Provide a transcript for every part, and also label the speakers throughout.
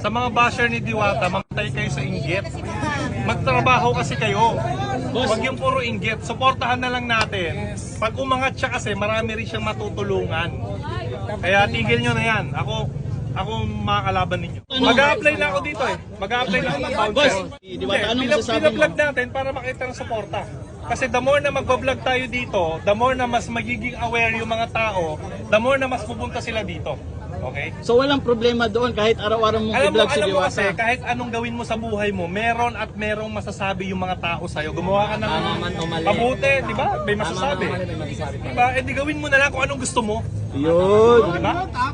Speaker 1: Sa mga basher ni Diwata, magtay kayo sa inggit. Magtrabaho kasi kayo. Huwag yung puro inggit. Suportahan na lang natin. Pag umangat siya kasi, marami rin siyang matutulungan. Kaya tigil nyo na yan. Ako makakalaban ninyo. Mag-a-apply na ako dito eh. Mag-a-apply na ako ng voucher. Pinablog natin para makita ng suporta. Kasi the more na magbablog tayo dito, the more na mas magiging aware yung mga tao, the more na mas pupunta sila dito. Okay?
Speaker 2: So walang problema doon kahit araw-araw mong i-vlog si
Speaker 1: Alam mo kasi,
Speaker 2: Diwata.
Speaker 1: kahit anong gawin mo sa buhay mo, meron at merong masasabi yung mga tao sa'yo. Gumawa ka ng mabuti, di ba? May masasabi. Di ba? Eh di gawin mo na lang kung anong gusto mo.
Speaker 2: Yun.
Speaker 1: Di ba?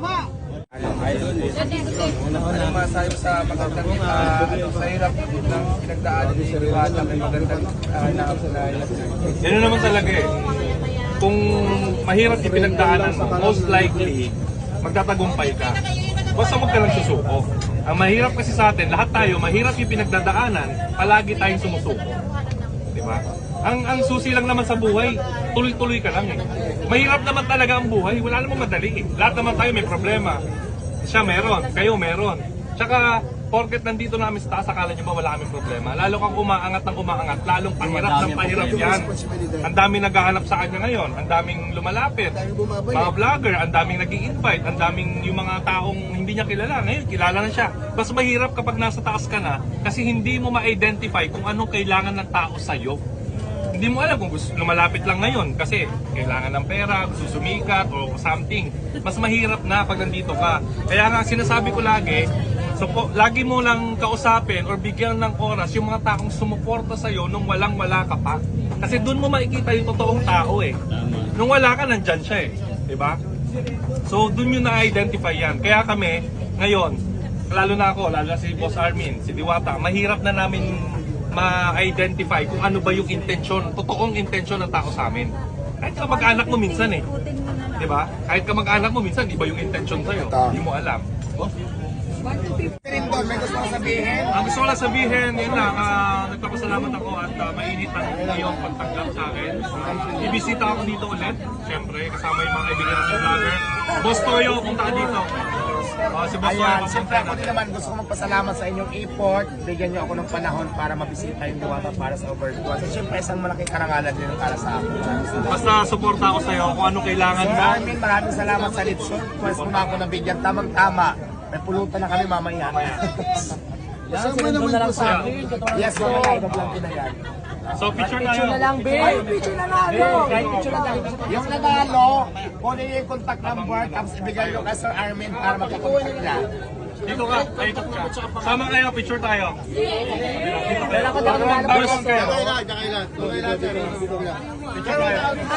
Speaker 3: Anong masayo sa magandang sa hirap ng pinagdaanan ni Diwata, may magandang
Speaker 1: Yan naman talaga eh. Kung mahirap yung pinagdaanan mo, most likely, magtatagumpay ka. Basta huwag ka lang susuko. Ang mahirap kasi sa atin, lahat tayo, mahirap yung pinagdadaanan, palagi tayong sumusuko. Diba? Ang susi lang naman sa buhay, tuloy-tuloy ka lang eh. Mahirap naman talaga ang buhay, wala namang madali eh. Lahat naman tayo may problema. Siya meron, kayo meron. Tsaka, porket nandito namin sa taas, akala nyo ba wala kaming problema? Lalo kang umaangat ng umaangat, lalong pahirap ng pahirap yan. Ang daming naghahanap sa kanya ngayon, ang daming lumalapit, mga vlogger, ang daming nag-i-invite, ang daming yung mga taong hindi niya kilala. Ngayon, kilala na siya. Mas mahirap kapag nasa taas ka na, kasi hindi mo ma-identify kung anong kailangan ng tao sa'yo. Hindi mo alam kung gusto lumalapit lang ngayon kasi kailangan ng pera, gusto sumikat o something. Mas mahirap na pag nandito ka. Kaya nga sinasabi ko lagi, lagi mo lang kausapin or bigyan ng oras yung mga taong sumuporta sa'yo nung walang-wala ka pa. Kasi doon mo makikita yung totoong tao eh. Nung wala ka, nandyan siya eh. Diba? So doon yun na-identify yan. Kaya kami, ngayon, lalo na ako, lalo na si Boss Armin, si Diwata, mahirap na namin ma-identify kung ano ba yung intensyon, totoong intensyon ng tao sa amin. Kahit ka mag-anak mo minsan eh. Diba? Kahit ka mag-anak mo minsan, di ba yung intensyon sa'yo? Hindi mo alam.
Speaker 3: Rin doon, may gusto kong sabihin.
Speaker 1: Ang gusto ko lang sabihin, yun lang, nagpapasalamat ako at mainit ang iyong pagtanggap sa akin. Ibisita ako dito ulit, syempre, kasama yung mga kaibigan ng vlogger. Boss Toyo, punta ka dito. Si Boss Toyo,
Speaker 3: Ayan, siyempre ako din naman gusto ko magpasalamat sa inyong effort. Bigyan niyo ako ng panahon para mabisita yung Diwata para sa Overview. So siyempre isang malaking karangalan din para sa akin.
Speaker 1: Basta suporta ako sa'yo kung anong kailangan mo.
Speaker 3: Armin, maraming salamat sa Litson. Pwes mo na ako nabigyan tamang-tama. May pulutan na kami mamaya.
Speaker 4: Yes,
Speaker 3: mga kaibigan ko na yan.
Speaker 1: So picture tayo.
Speaker 3: Ay, picture na nalo! Yung nanalo, kunin niyo yung contact number, tapos ibigay nyo kay Sir Armin para magkakontact niya.
Speaker 1: Dito ka, dito ka. Sama kayo, picture tayo.
Speaker 3: Wala ko daw nanalo.
Speaker 1: Dalawang kayo. Picture tayo.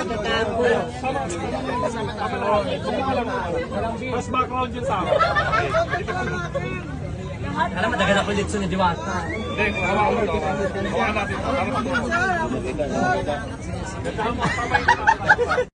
Speaker 1: Mas background yun sa akin.
Speaker 4: Alam mo, dagan ako dito ni Diwata.
Speaker 1: Hindi, hawakan mo ito. Hawakan natin ito.